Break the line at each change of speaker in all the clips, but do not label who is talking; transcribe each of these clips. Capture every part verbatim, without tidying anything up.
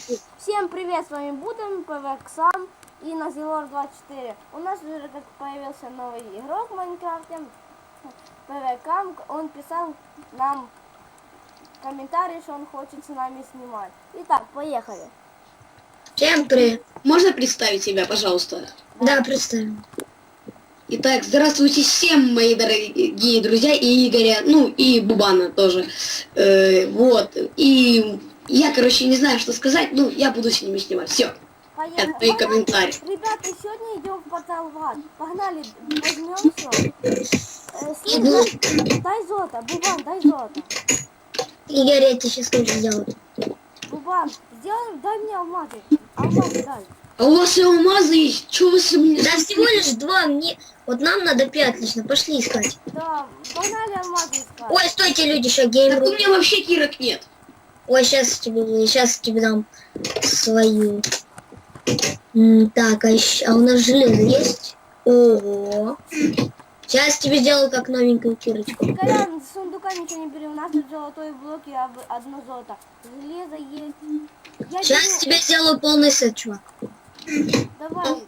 Всем привет, с вами Будем, ПВКсам и Назилор двадцать четыре. У нас уже как появился новый игрок в Майнкрафте, ПВКам. Он писал нам комментарий, что он хочет с нами снимать. Итак, поехали.
Всем привет. Можно представить себя, пожалуйста?
Да, представим.
Итак, здравствуйте всем, мои дорогие друзья, и Игоря, ну и Бубана тоже. Э, вот. И я, короче, не знаю, что сказать, ну, я буду с ними снимать. Все. Это мои комментарии.
Ребята, сегодня идем в портал в ад. Погнали, возьмем все. Э, слышь, дай золото, Бубан, дай золото.
Игорь, я тебе сейчас тоже сделаю.
Бубан, сделай, дай мне алмазы. Алмазы дай.
А у вас и алмазы есть? Чего вы со мной?
Да всего лишь два, мне... Вот нам надо пять лично, пошли искать.
Да, погнали алмазы искать.
Ой, стойте, люди, еще
Так
геймру.
у меня вообще кирок нет.
Ой, сейчас тебе, сейчас тебе дам свою. М, так, а, еще, а у нас железо есть? Ого. Сейчас тебе сделаю как новенькую кирочку.
Колян, с сундука ничего не бери, у нас тут золотой блок и об- одно золото. Железо есть. Я
Сейчас
беру-
тебе сделаю полный сет, чувак.
Давай.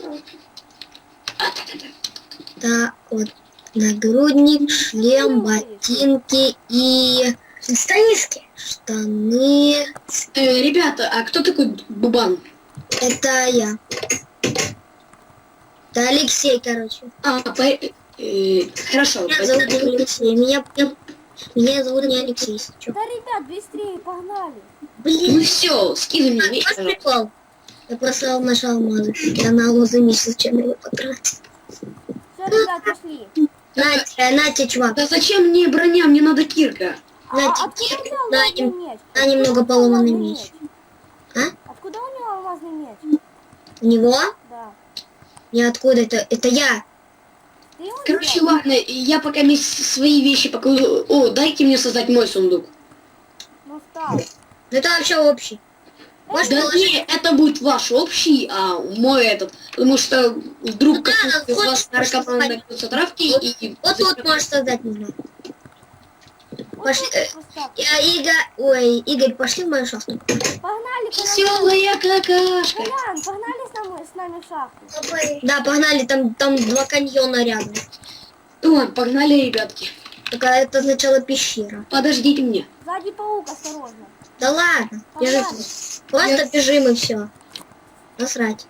Так, вот. Нагрудник, шлем, ботинки и... Штанишки. Штаны.
Э, ребята, а кто такой Бубан?
Это я. Это Алексей, короче.
А, по... э, хорошо.
Меня зовут не Алексей. Меня, меня, меня зовут не Алексей, если чё.
Да, ребят, быстрее, погнали.
Ну
Блин,
все, скидывай мне вещи,
вот
пожалуйста.
прикол. Я просто нашел алмазы. Я на алмазы месяц, чем его потратил.
Все, ребят, пошли.
На тебе, на тебе, чувак.
Да зачем мне броня? Мне надо кирка.
А,
На
откуда
тебе,
у него
на,
алмазный
нем-
меч?
на немного
Откуда
поломанный
алмазный
меч. А?
Откуда у него алмазный меч?
У него?
Да.
Ниоткуда. Это, это я.
Ты его
Короче,
сделал?
ладно, я пока мне свои вещи покладу. О, дайте мне создать мой сундук.
Ну, стал.
Это вообще общий. Можешь
Да
положить?
не, это будет ваш общий, а мой этот. Потому что вдруг
Ну да,
какой-то из
хочешь,
вас наркоман
можешь
найдется травки
Вот-
и...
Вот тут можешь создать, не знаю.
Вот
Пошли,
тут
э,
поставь.
Я, Игорь, ой, Игорь, пошли в мою шахту.
Погнали, Колян.
Веселая какашка.
Колян, погнали с нами, с нами в шахту.
Да, погнали, там, там два каньона рядом.
Ладно, погнали, ребятки.
Только это сначала пещера.
Подождите меня.
Сзади паук, осторожно.
Да ладно,
Погнали.
держите. Просто бежим и все. Насрать.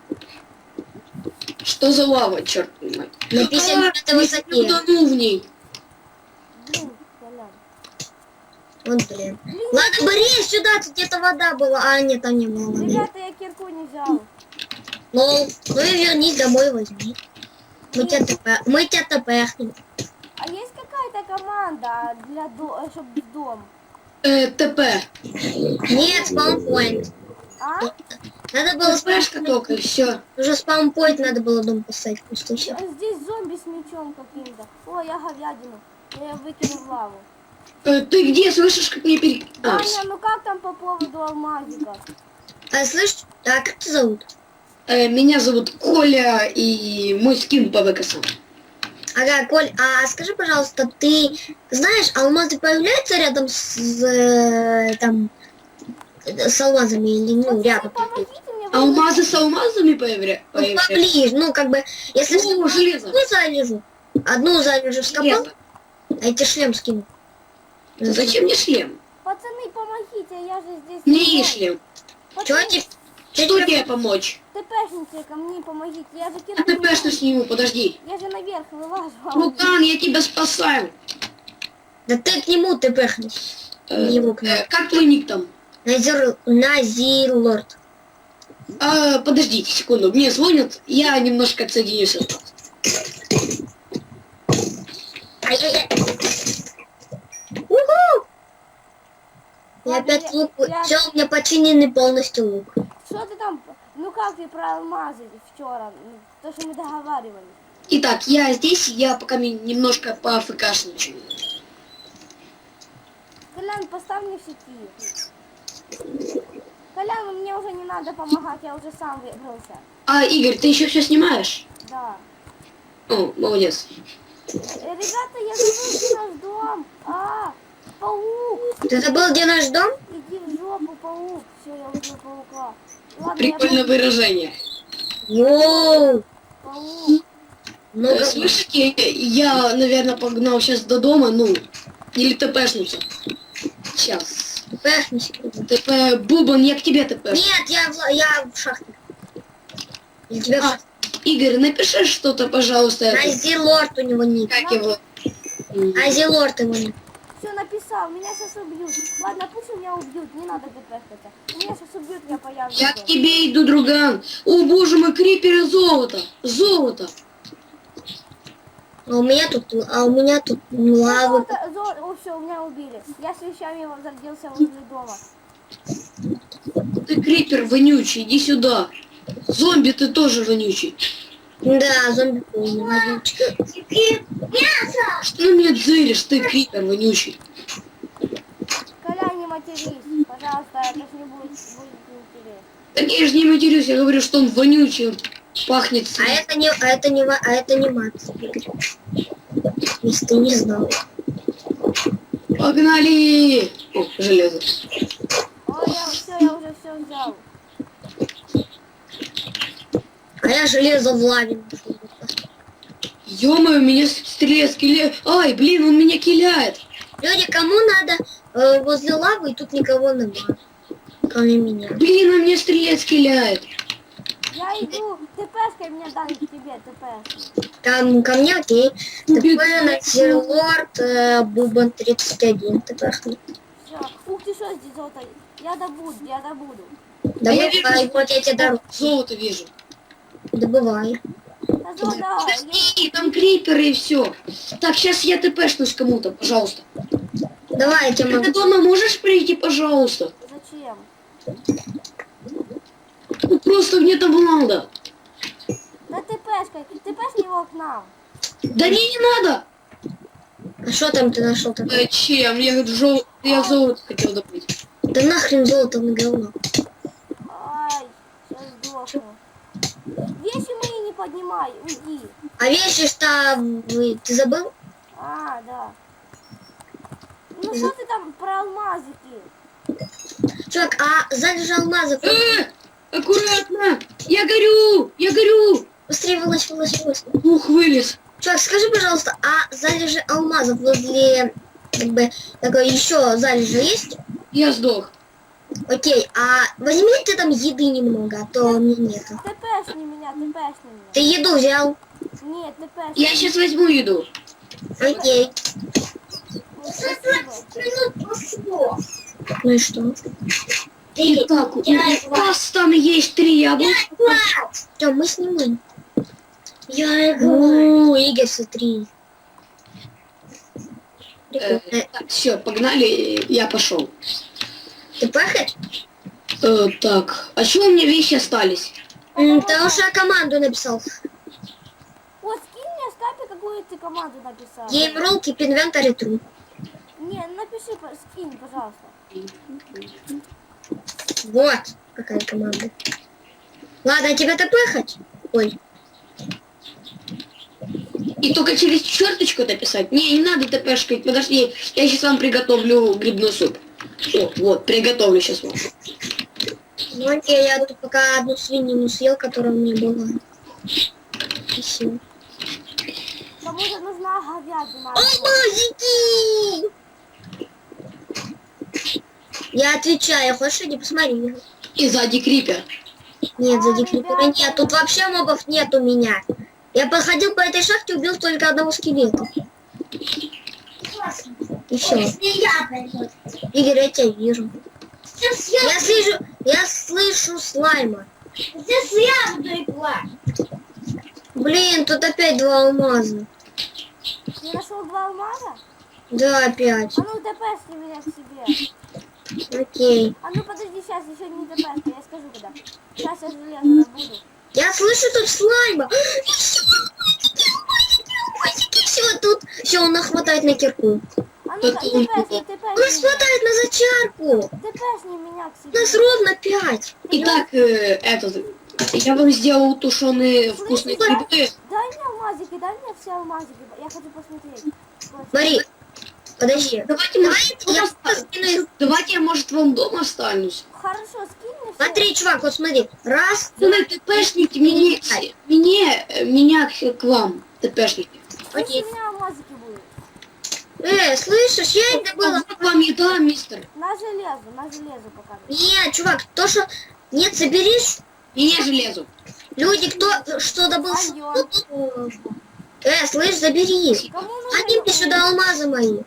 Что за лава, черт мать?
На пятьдесят
А,
пятой
не
высоте.
утону в ней.
Блин, Колян.
Вот, блин. Ладно, Борис, сюда, тут где-то вода была. А, нет, там не было воды.
Ребята, я кирку не взял.
Ну, ну и вернись домой, возьми. Мы тебя тп... Мы тебя тпхнем.
А есть какая-то команда для до... чтобы в дом?
Э, ТП.
Нет, спаунпоинт.
А?
Надо было
ТПшка только, и все.
Уже спаунпоинт надо было дом поставить пустующий.
А здесь зомби с мечом каким-то. О, я говядину. Я ее выкину в лаву.
Э, ты где слышишь, как мне пере... А,
Аня, ну как там по поводу алмазика?
А слышь, а как тебя зовут?
э, меня зовут Коля, и мой скин по ВКСам.
Ага, Коль, а скажи, пожалуйста, ты знаешь, алмазы появляются рядом с э, там с алмазами или ну
Пацаны,
рядом?
помогите мне.
Алмазы с алмазами появля...
Ну,
появляются?
поближе, ну как бы, если
О,
что,
железо.
одну залежу, одну залежу вскопал,
Железо.
а я тебе шлем скину.
Зачем мне шлем?
Пацаны, помогите, я же здесь.
Мне
не
и
знаю.
шлем.
Чё
Пацаны,
тебе?
Что тебе помочь?
ТПшницы ко мне помогите. Я же
Я
кирку не-
ТПшно сниму, подожди.
Я же наверх вылажу. а он-
Рукан, я тебя спасаю.
Да ты к нему ты пехнешь.
Э,
Его к нему.
э, как твой ник там?
Назир, Назилорд.
А, подождите секунду, мне звонят, я немножко отсоединюсь от вас.
Ай-яй-яй. Уху! Я
Ладно,
опять
я-
лук.
я-
Все, у меня починенный полностью лук.
Что ты там? Ну как ты про алмазы вчера? Ну, то, что мы договаривались.
Итак, я здесь, я пока ми- немножко поафкашничаю.
Колян, поставь мне в сети. Колян, мне уже не надо помогать, я уже сам выбрался.
А, Игорь, ты еще все снимаешь?
Да.
О, молодец.
Э, Ребята, я забыл, где наш дом. А, паук,
Ты забыл, где наш дом?
иди в жопу. Опа, паук. Все, я возьму паука. Ладно,
Прикольное
я
выражение.
Йоу!
паук.
Много...
Э, Слышите, я, наверное, погнал сейчас до дома, ну, или ТПшнуться. Сейчас.
ТП не секунду.
ТП, Бубан, я к тебе ТП.
Нет, я в, я в шахте. Я тебя в
А,
шахте.
Игорь, напиши что-то, пожалуйста. это.
Азилорд у него ник.
Как его?
Азилорд его ник.
Все написал, меня сейчас убьют. Ладно, пусть меня убьют, не надо ДПшиться. Меня сейчас убьют, я появлюсь.
Я к тебе иду, друган. О, боже мой, криперы золото. Золото.
А у меня тут, а у меня тут лава.
Золото, золото. О, все, меня убили. Я с вещами возродился возле дома.
Ты крипер вонючий, иди сюда. Зомби, ты тоже вонючий.
Да, зомби полный. водичка.
Что на меня дзыришь, ты крипер вонючий?
Коля, не матерись, пожалуйста, это ж не будет, будет неинтересно.
Так я же не матерюсь, я говорю, что он вонючий, он пахнет.
А это не, а это не, ва- а это не мат. Если ты не знал.
Погнали! О, железо.
Ой, я все, я уже все взял.
А я железо в лаве нашел.
Ё-моё, меня стреляет скелет. Ай, блин, он меня киляет.
Люди, кому надо э, возле лавы, и тут никого нема. Кроме меня.
Блин, он меня стреляет скеляет.
Я иду, ТПшкой меня дали к тебе, ТПшкой.
Там ко мне, окей.
Убит.
ТП на Зерлорд, э, Бубан тридцать один. ТП.
Все. Ух ты, что здесь золото? Я добуду, я добуду.
Давай,
вижу,
давай, вот я тебе дарю.
Золото вижу.
Добывай.
Да золото, я...
Подожди, там криперы и все. Так, сейчас я ТПшнусь кому-то, пожалуйста.
Давай, я тебе
Ты
могу.
дома можешь прийти, пожалуйста?
Зачем?
Ну просто мне там надо.
Да ТПшкой, ТПшни его к нам.
Да не, не надо.
А что там ты нашел такое?
Зачем? Я, жел... я золото хотел добыть.
Да нахрен золото на говно.
Ай, сейчас сдохну. Вещи мои не поднимай, уйди.
А вещи что вы- ты забыл?
А, да. Ну что ты там про алмазики?
Чувак, а залежи алмазов.
Э, аккуратно! Я горю! Я горю!
Быстрее вылазь, вылазь, вылазь.
Ух, вылез.
Чувак, скажи, пожалуйста, а залежи алмазов возле, как бы, такой еще залежи есть?
Я сдох.
Окей, а возьми ты там еды немного, а то мне нету.
ТПшни меня, ТПшни меня.
Ты еду взял?
Нет, ТПшни.
Я сейчас возьму еду.
Окей.
Ну, спасибо.
Ну и что?
Итак, у вас там есть три яблока.
Тём, мы снимаем. Я О, Игорь, смотри.
Э,
Прикольно.
так, все, погнали, я пошел.
Ты пахаешь?
Э, так, а что у меня вещи остались?
М, Ты уже команду написал.
Вот скинь мне в скайпе, какую ты команду написал.
Game keep inventory true.
Не, напиши, по- скинь, пожалуйста.
Вот какая команда. Ладно, тебе тпхать? Ой.
И только через черточку дописать? Не, не надо ТПшкать, подожди, я сейчас вам приготовлю грибной суп. О, вот, приготовлю сейчас вам.
Ну окей, я тут пока одну свинину съел, которая у меня была. Спасибо.
Кому-то нужна говядина.
Алмазики! Я отвечаю, хочешь, иди посмотри.
И сзади крипер.
Нет,
А,
сзади крипера
ребята.
нет, тут вообще мобов нет у меня. Я походил по этой шахте, убил только одного скелета. И все. Игорь, я тебя вижу. Я слышу, я слышу слайма.
Здесь я буду играть.
Блин, тут опять два алмаза.
Ты нашел два алмаза?
Да, опять.
А ну ТПшни меня к себе.
Окей.
А ну подожди, сейчас еще не ТПшка, я скажу когда. Сейчас я железо добуду.
Я слышу тут слайма. Все, тут все, он хватает на кирку.
А ну-ка,
Тут он
ТПшни,
У нас
ТПшни.
хватает на зачарку.
ТПшни меня к
У
себе.
нас ровно пять.
Итак, э, этот, я вам сделал тушеные вкусные грибы.
Дай мне алмазики, дай мне все алмазики. Я хочу посмотреть. Вот.
Смотри, Подожди.
Давайте, может,
я
я
просто скину их.
давайте я, может, вам дома останусь.
Хорошо, скинь мне все.
Смотри, чувак, вот смотри. Раз,
Ну, ТПшники, мне, мне, меня к, к вам, ТПшники.
Если
окей.
у меня алмазики будут.
Э, слышишь, я это было.
Вот вам еда, мистер.
На железо, на железо показывай.
Нет, чувак, то, что... Нет, соберись.
И я железу.
Люди, кто что добыл... с-
Алло.
Э, слышь, заберись.
Кому нужно?
Гони мне сюда алмазы мои.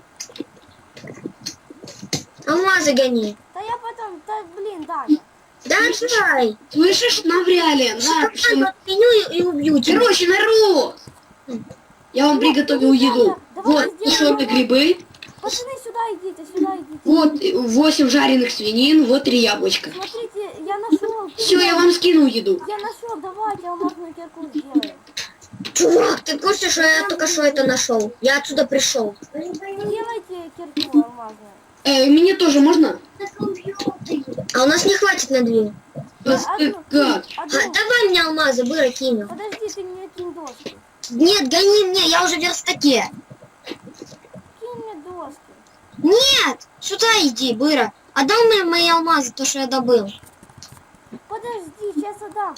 Алмазы гони.
Да я потом, да блин, Даня.
Да, давай.
Слышишь, навряли. На, пошли.
Я отменю и, и убью тебя.
Короче, народ. Я вам приготовил еду.
Давай
Вот
сделаем
сушеные грибы.
Пацаны, сюда идите, сюда идите.
Вот восемь жареных свинин, вот три яблочка.
Смотрите, я нашел.
Все, я вам скинул еду.
Я нашел, давайте алмазную кирку сделаем.
Чувак, ты в курсе, что я только что это нашел? Я отсюда пришел.
Делайте кирку алмазную.
Э, мне тоже можно?
А у нас не хватит на две.
Вот, э, как?
А,
Одну.
давай мне алмазы, быра кинем.
Подожди, ты мне кинь доски.
Нет, гони мне, я уже в верстаке.
Кинь мне доски.
Нет, сюда иди, быра. Отдал мне мои алмазы, то, что я добыл.
Подожди, сейчас отдам.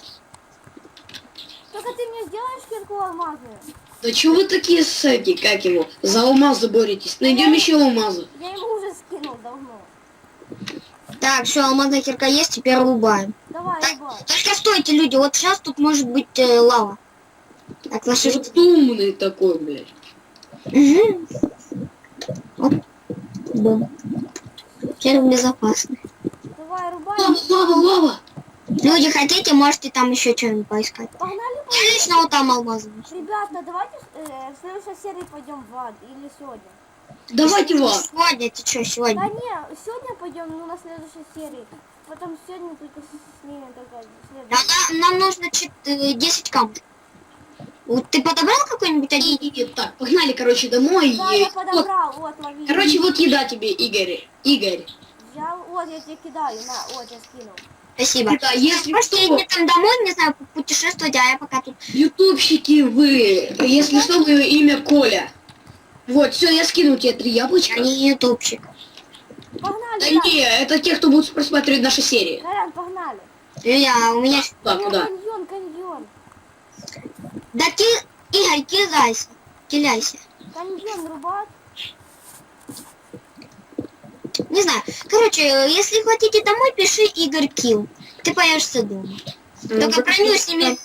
Только ты мне сделаешь кирку алмазную?
Да чего вы такие сэки, как его? За алмазы боретесь. Найдем еще алмазы.
Я ему уже скинул давно.
Так, все, алмазная кирка есть, теперь рубаем.
Давай,
Так,
давай.
только стойте, люди, вот сейчас тут может быть э, лава. Так, ваши...
Вот умный такой, блядь.
Угу. Оп. Бум. Теперь безопасно.
Давай, рубай.
Лава, лава, лава.
Люди, хотите, можете там еще что-нибудь поискать.
Погнали,
Я
погнали.
лично вот там алмазы.
Ребята, давайте э, в следующей серии пойдем в ад. Или сегодня.
Давайте вас.
Сегодня, ты что,
Да
сегодня?
не, сегодня пойдем, ну на следующей серии. Потом сегодня только с, с ними только
А
следующий.
нам, нам нужно чет- э, десять камней. Вот ты подобрал какой-нибудь один?
И, так, погнали, короче, домой.
Да,
И-
я
вот,
подобрал, вот, лови.
короче, вот еда тебе, Игорь. Игорь.
Взял, вот, я тебе кидаю, на, вот, я скинул.
Спасибо.
Да, если
Можете
что,
идти там домой, не знаю, путешествовать, а я пока тут.
ютубщики вы, если что, мое имя Коля. Вот, все, я скинул тебе три яблочка.
Я не ютубчик.
Погнали,
Да
да.
не, это те, кто будут просматривать наши серии.
Колян, погнали.
Я, у меня...
Да,
У меня
куда?
каньон, каньон.
Да ки... Игорь, кидайся. Киляйся.
Каньон рубать.
Не знаю. Короче, если хотите домой, пиши Игорь Килл. Ты появишься дома. Только броню сними.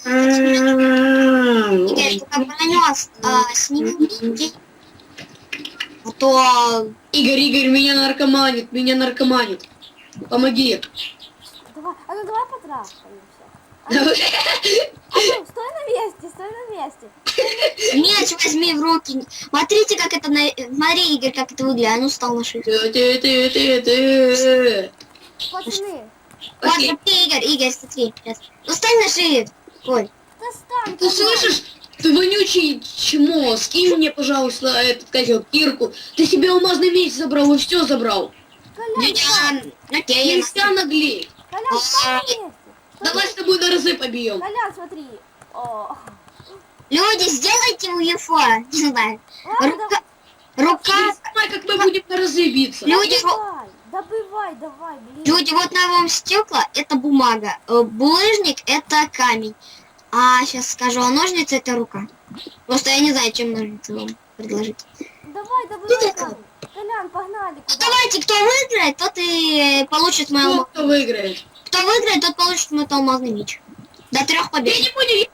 Игорь, только броню а, сними. А то...
Игорь, Игорь, меня наркоманит, меня наркоманит. Помоги.
Давай, а ну давай потрахаемся. А ну, а ну, стой на месте, стой на месте.
Меч возьми в руки. Смотрите, как это... На... Смотри, Игорь, как это выглядит. А ну, стал на шифт.
Ты, ты, ты, ты, ты.
Пацаны,
Вот,
Окей.
смотри, Игорь, Игорь, смотри. Сейчас. Ну, стань на шифт. Коль.
достань.
Ты слышишь? Ты вонючий чмо, скинь мне, пожалуйста, этот козел, кирку. Ты себе алмазный меч забрал и все забрал.
Колян, встань.
Я... Окей, я
Нельзя наглеть.
Колян, стой на месте.
Давай с тобой на разы побьем.
Колян, смотри. О.
Люди, сделайте у ЕФО, не знаю,
Ладно,
рука, рука,
Давай, как мы будем на разы биться.
люди, во-
давай, добывай, давай, блин.
люди, вот на вам стекла это бумага, э, булыжник это камень, а сейчас скажу, а ножницы это рука. Просто я не знаю, чем ножницы вам предложить.
Давай, добывай
Ты
камень. Колян, погнали.
Ну,
Куда?
давайте, кто выиграет, тот и получит мой
Кто,
алма-
кто выиграет?
Кто выиграет, тот получит мой алмазный меч. До трех побед.
Я не понял.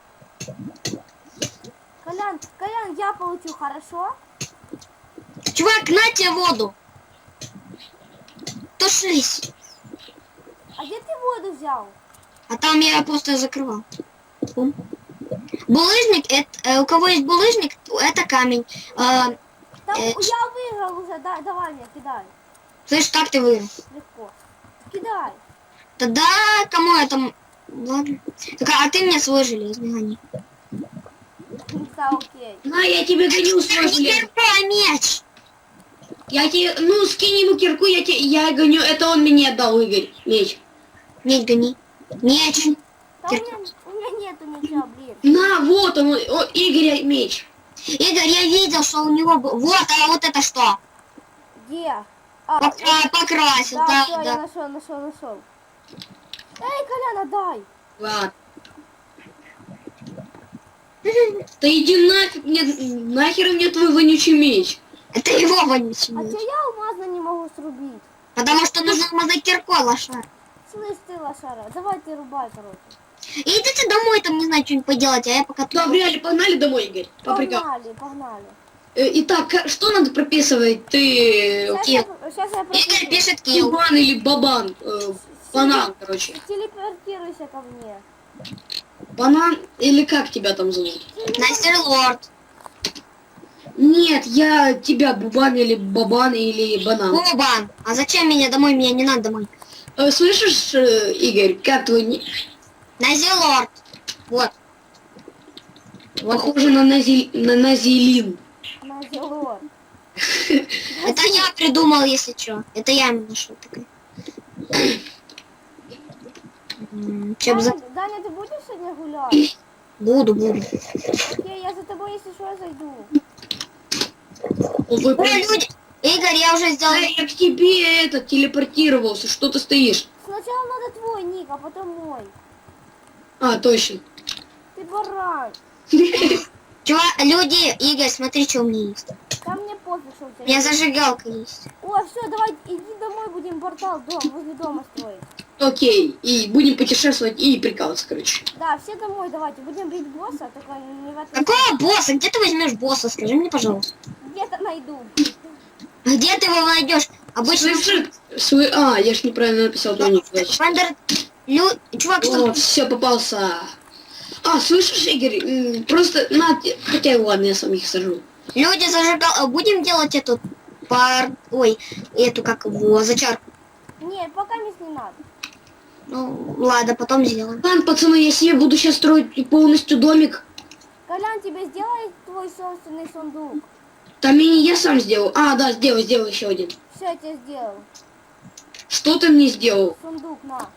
Колян, Колян, я получу, хорошо?
Чувак, на тебе воду. Тушись.
А где ты воду взял?
А там я просто закрывал. Бум. Булыжник, это, э, у кого есть булыжник, это камень. Э,
Там,
Э,
я выиграл уже, да, давай мне, кидай.
слышь, как ты выиграл?
Легко. Кидай.
Тогда кому это... м- Ладно. Так, а ты мне свой железный гони.
Да, окей.
На, я тебе гоню свой
Не
желез.
кирку, а меч.
Я тебе, ну, скинь ему кирку, я тебе, я гоню, это он мне отдал, Игорь, меч.
Меч гони. Меч.
Да у меня, у меня нету ничего, блин.
На, вот он, о, Игоря меч.
Игорь, я видел, что у него был... Вот, а вот это что?
Где? А,
Покра- покрасил,
да,
да,
все, я
да.
нашел, нашел, нашел. Эй, Колян, отдай.
Ладно. Да иди нафиг, мне, нахер мне твой вонючий меч.
Это его вонючий
А
меч.
че я алмазно не могу срубить?
Потому что нужно мазать киркой, лошар.
Слышь ты, лошара, давай ты рубай, короче.
Идите домой, там, не знаю, что-нибудь поделать, а я пока тут...
Да, реально, погнали домой, Игорь. По приколу.
Погнали, погнали.
Э, Итак, ка- что надо прописывать? Ты
Сейчас
Килл.
я, сейчас я
Игорь
пропишу.
пишет килл.
Бубан или бабан? Э, банан, короче.
Телепортируйся ко мне.
Банан или как тебя там зовут?
Настер Лорд.
Нет, я тебя бубан или бабан или банан.
Бубан. А зачем меня домой? Меня не надо домой.
Э, слышишь, э, Игорь, как твой... ни-
Настер Лорд. Вот. Вот.
Похоже на, нази... на назилин.
На зело.
Это я придумал, если что. Это я ему нашел такой. М, Чем за...
Даня, Даня, ты будешь сегодня гулять?
Буду, буду.
Окей, я за тобой, если что, я зайду.
Вы
Ой, люди! Игорь, я уже сделал...
Да, я к тебе это телепортировался, что ты стоишь?
Сначала надо твой ник, а потом мой.
А, точно.
Ты баран.
Чувак, люди, Игорь, смотри, что у меня есть.
Там мне пофиг, что у
У
тебя
меня
есть.
зажигалка есть.
О, все, давай, иди домой, будем портал дом, возле дома строить.
Окей, и будем путешествовать и прикалываться, короче.
Да, все домой давайте, будем бить босса, только не в этом...
Какого босса? Где ты возьмешь босса? Скажи мне, пожалуйста.
Где-то найду.
Где ты его найдешь? Обычно...
Слышишь? Свой... А, я ж неправильно написал твой ник, значит.
Фандер... Лю... Чувак, что...
О, все, попался. А, слышишь, Игорь, м, просто на... те- Хотя, ладно, я сам их сажу.
Люди зажигал... Будем делать эту... Пар... Ой, эту, как его, зачарку.
Нет, пока не надо.
Ну, ладно, потом сделаем.
Ладно, пацаны, я себе буду сейчас строить полностью домик.
Колян, тебе сделает твой собственный сундук.
Там и я сам сделал. А, да, сделал, сделал еще один.
Все, я тебе сделал.
Что ты мне сделал?
Сундук, на.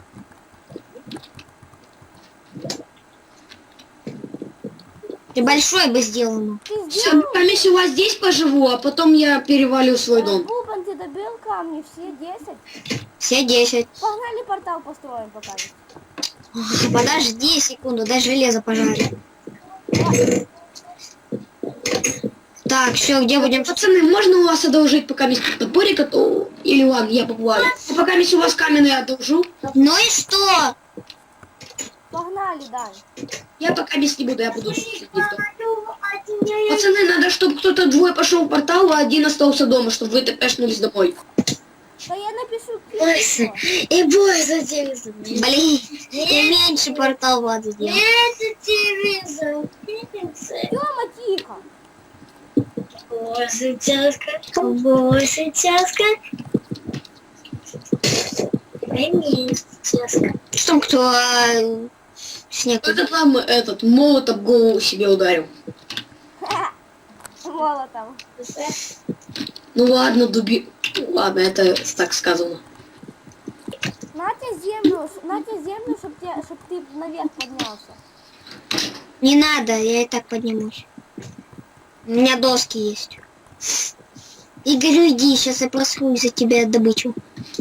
Ты большой бы сделал ему.
Ты
Все,
сделал?
пока у вас здесь поживу, а потом я перевалю в свой дом.
Бубан, ты добил камни, все десять.
Все десять.
Погнали портал построим пока.
Подожди секунду, дай железо пожарить. Так, все, где будем?
Пацаны, можно у вас одолжить пока место топорика, то... Или ладно, я поплаваю. А пока у вас каменный одолжу,
Ну и что?
Погнали, Дань.
я пока без не буду, я буду сидеть дома. Пацаны, надо, чтобы кто-то двое пошел в портал, а один остался дома, чтобы вы тэпэшнулись домой.
Да я напишу письмо.
И бой за телевизор. Блин, я меньше портал Влада сделал.
Это телевизор.
Тёма, тихо.
Боже, тяжко. Боже, тяжко. Конечно, тяжко.
Что кто а, снег?
Кто-то там этот молот об голову себе ударил.
Молотом.
Ну ладно, дуби... Ладно, это так сказано.
На тебе землю, на тебе землю, чтоб, те, чтоб ты наверх поднялся.
Не надо, я и так поднимусь. У меня доски есть. Игорь, иди, сейчас я просру за тебя добычу.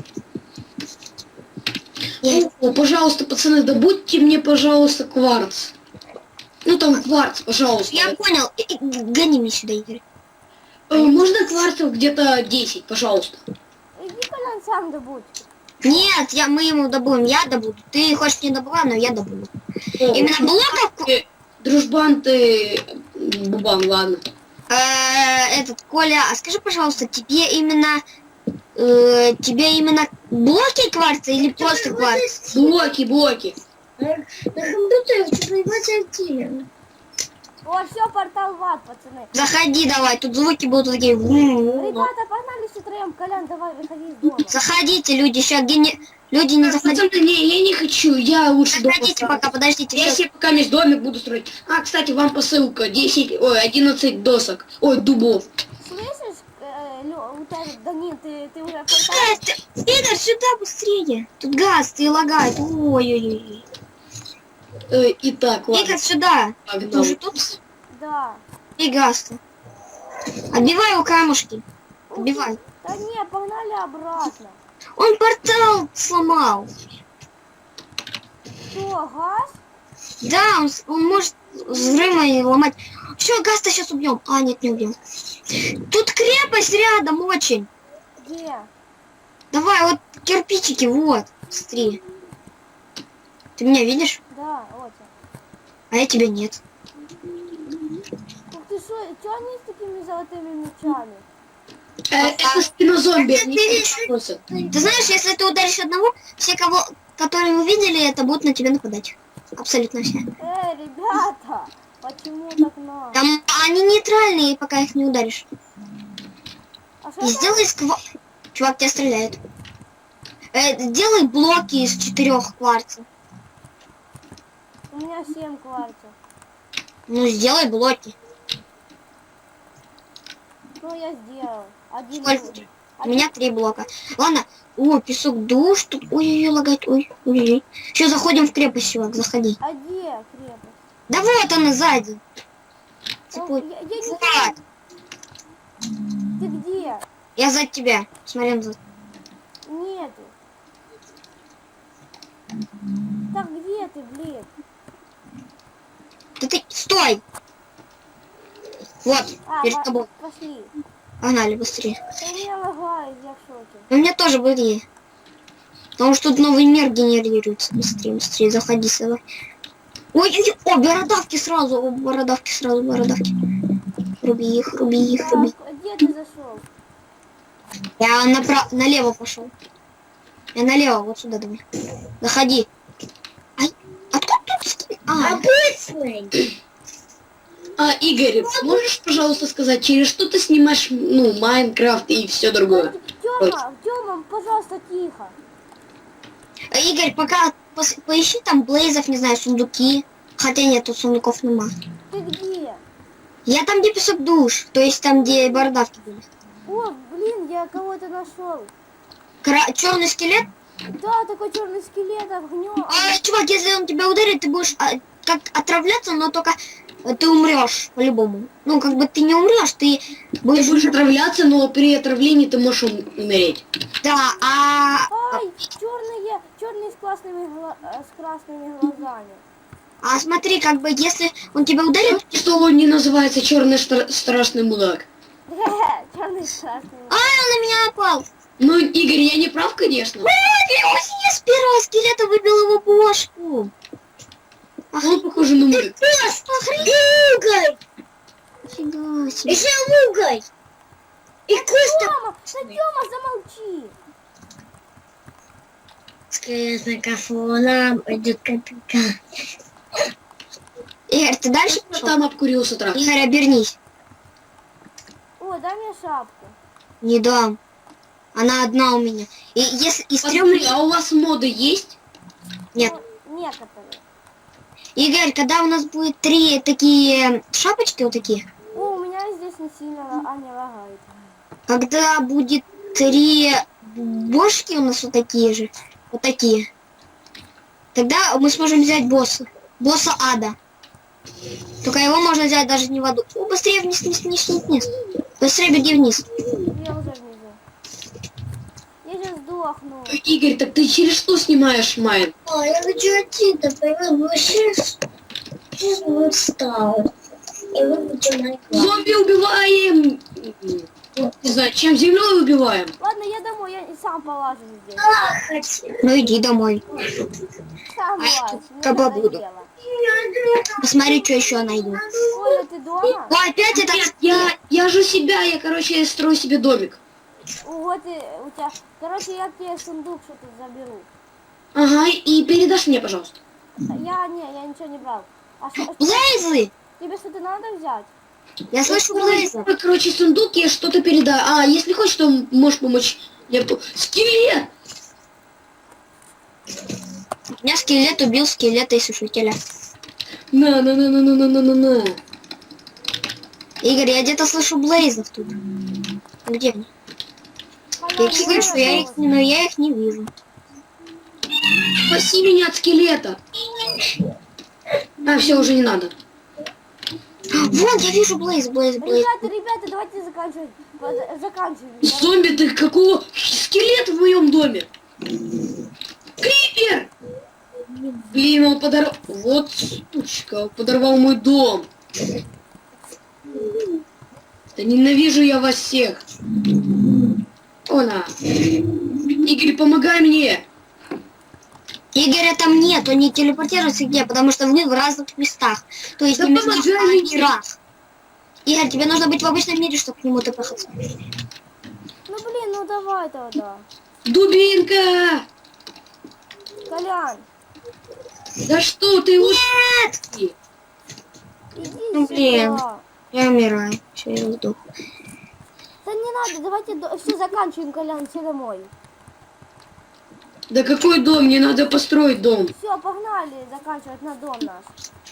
Я...
О, пожалуйста, пацаны, добудьте мне, пожалуйста, кварц. Ну там кварц, пожалуйста.
я понял. И- и Гони меня сюда, Игорь.
Э, можно кварцев где-то десять, пожалуйста.
Иди, Колян, сам добудь.
Нет, я, мы ему добудем, я добуду. Ты хочешь не добыла, но я добуду. Именно блоков...
Э, Дружбан ты... м, Бубан, ладно.
Э, этот, Коля, а скажи, пожалуйста, тебе именно... э, тебе именно блоки кварца или просто кварц?
Блоки, блоки.
На компьютере что-то ебать активен.
О, все, портал в ад, пацаны.
Заходи давай, тут звуки будут такие...
Ребята, погнали с утроем. Колян, давай, выходи из дома.
Заходите, люди, сейчас гене... Люди не заходите.
Пацаны, не, я не хочу, я лучше дома
Заходите
останусь.
пока, подождите.
Я
всё.
себе пока весь домик буду строить. А, кстати, вам посылка. десять, ой, одиннадцать досок. Ой, дубов.
Слышишь, э, Лё, у тебя, Данил, ты, ты уже в
Э,
портале?
ты- Игорь, сюда быстрее. Тут газ, ты лагает. Ой-ой-ой.
Э, итак, ладно.
Игорь, сюда. Ты
Погнал.
уже тут?
Да.
И газ-то. Отбивай у камушки. Отбивай.
Да Да не, погнали обратно.
Он портал сломал.
Что, газ?
Да, он, с- он может взрывами ломать. Все, газ-то сейчас убьем. А, нет, не убьем. Тут крепость рядом очень.
Где?
Давай, вот кирпичики, вот. Смотри. Ты меня видишь?
Да, вот.
А я тебя нет.
Ух ты, что, что они с такими золотыми мечами?
Э, Это спинозомби,
Это
они
ты-
всех носят.
Ты знаешь, если ты ударишь одного, все, кого, которые увидели, это будут на тебя нападать. Абсолютно все.
Эй, ребята, почему так надо?
Там они нейтральные, пока их не ударишь.
А что
И
это?
сделай сква... Чувак, тебя стреляет. Э, делай блоки из четырех кварцев.
У меня семь кварцев.
Ну, сделай блоки.
Ну, я сделал. Один.
Сколько?
будет.
У меня три блока. Ладно. О, песок душ тут. Ой-ой-ой, лагает. Ой, ой-ой. Все, заходим в крепость, чувак, заходи.
А где крепость?
Да вот она сзади.
Там-
Цепуй.
я, я не
Вот.
знаю. Ты где?
Я за тебя. Смотри назад.
Нету. Так где ты, блин?
Да ты... Стой! Вот,
А,
перед
по-
тобой.
пошли.
Погнали быстрее.
Да у меня лагает, я в шоке.
У меня тоже были. Потому что тут новый мир генерируется. Быстрее, быстрее, заходи сюда. Ой, ой, о, бородавки сразу, о, бородавки сразу, бородавки. Руби их, руби их,
Так,
руби.
где ты зашел?
Я направо, налево пошел. Я налево, вот сюда давай. Заходи. Ай, откуда тут ски- А,
Обычный.
А, Игорь, можешь, пожалуйста, сказать, через что ты снимаешь, ну, Майнкрафт и все другое?
Тёма, Тёма, пожалуйста, тихо.
Игорь, пока пос- поищи там блейзов, не знаю, сундуки. Хотя нет, тут сундуков нема.
Ты где?
Я там, где песок душ, то есть там, где бородавки были.
О, блин, я кого-то нашел.
Кра- черный скелет.
Да, такой черный скелет, огнем.
А, чувак, если он тебя ударит, ты будешь а, как отравляться, но только э, ты умрешь по-любому. Ну, как бы ты не умрешь, ты
Ты
будешь...
будешь отравляться, но при отравлении ты можешь ум- умереть.
Да, а...
Ай, черные, черные с классными, гла- э, с красными глазами.
А смотри, как бы, если он тебя ударит...
Что он не называется черный стра- страшный мудак?
Черный с красными.
Ай, он на меня напал!
Ну, Игорь, я не прав, конечно.
Я с первого скелета выбил его бошку.
Он похож на мудак.
Угой.
Нифига себе.
Еще угой. И куста.
Тёма, да Тёма, замолчи.
Скелетный кафоном идет капитан.
Игорь, ты дальше пошел?
Там обкурился трав.
Игорь, обернись.
О, дай мне шапку.
Не дам. Она одна у меня. И если из трех...
Посмотри, а у вас моды есть?
Нет.
Ну, некоторые.
Игорь, когда у нас будет три такие шапочки вот такие,
О, у меня здесь не сильно, ла- а не лагает.
когда будет три бошки у нас вот такие же, вот такие, тогда мы сможем взять босса. Босса ада. Только его можно взять даже не в аду. О, быстрее вниз, вниз, вниз, вниз, вниз. Быстрее беги вниз.
Я уже внизу. Я сейчас сдохну.
Игорь, так ты через что снимаешь Майн?
О, я хочу отсюда, понял? Сейчас, сейчас бы встал. И выключу Майнкрафт.
Зомби убиваем! Не знаю, чем землей убиваем?
Ладно, я домой, я и сам полажу здесь.
А, хочу.
Ну иди домой.
Сам
А я
лазь,
тут
мне
каба буду.
надоело.
Посмотри, что еще найду.
Оля, ты дома?
О, опять это...
Нет, я, я же себя, я, короче, строю себе домик.
Вот и у тебя... Короче, я тебе сундук что-то заберу.
Ага, и передашь мне, пожалуйста.
Я, не, я ничего не брал. А что,
Блейзы!
тебе что-то надо взять?
Я слышу Блейза.
Короче, сундук, я что-то передаю. А, если хочешь, то можешь помочь. Я... по- Скелет!
У меня скелет убил скелета и сушителя.
На, на, на, на, на, на, на, на, на.
Игорь, я где-то слышу Блейзов тут. Где они? Я их слышу, я их, но я их не вижу.
Спаси меня от скелета. А, все, уже не надо.
Вон, я вижу Блейз, Блейз, Блейз.
Ребята, ребята, давайте заканчивать. Под- Заканчиваем.
Зомби, ты какого? Скелет в моем доме. Крипер! Блин, он подорвал... Вот сучка, он подорвал мой дом. Да ненавижу я вас всех. Она. Игорь, помогай мне.
Игоря там нет, он не телепортируется где, потому что мы в разных местах. То есть
Да
не местах,
помогай
а
мне.
не раз. Игорь, тебе нужно быть в обычном мире, чтобы к нему тпхаться.
Ну блин, ну давай тогда.
Дубинка!
Колян,
Да что ты уж...
иди
Ну, блин.
сюда.
Я умираю. Все, я сдох.
Да не надо, давайте до... все заканчиваем, Колян, все домой.
Да какой дом? Мне надо построить дом.
Все, погнали заканчивать на дом наш.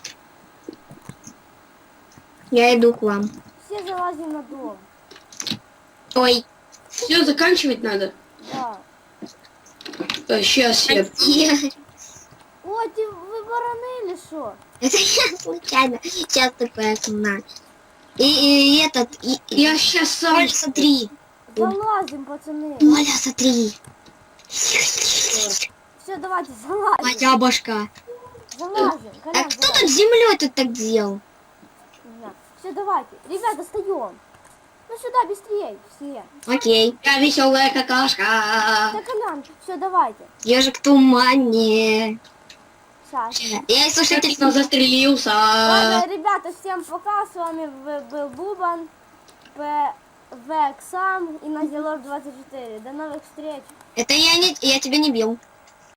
Я иду к вам.
Все залазим на дом.
Ой.
Все, заканчивать надо.
Да.
Сейчас я...
Я-
О, ты вы бараны или что?
Это я случайно. Сейчас тпс на. И, и этот... И, и...
Я сейчас сам...
Оля, смотри.
Залазим, пацаны.
Оля, смотри.
Все, давайте залазим.
Моя башка.
Залазим,
А
Колян,
кто
залазим.
тут землей тут так сделал?
Все, давайте. Ребята, встаем. Ну сюда быстрее, все.
Окей.
Я веселая какашка.
Да, Колян, все, давайте.
Ежик в тумане.
Сейчас.
Я и слушатель.
Я застрелился.
Ладно, ребята, всем пока. С вами в- был Бубан, ПВ Ксам и Назилор двадцать четыре. До новых встреч.
Это я не... Я тебя не бил.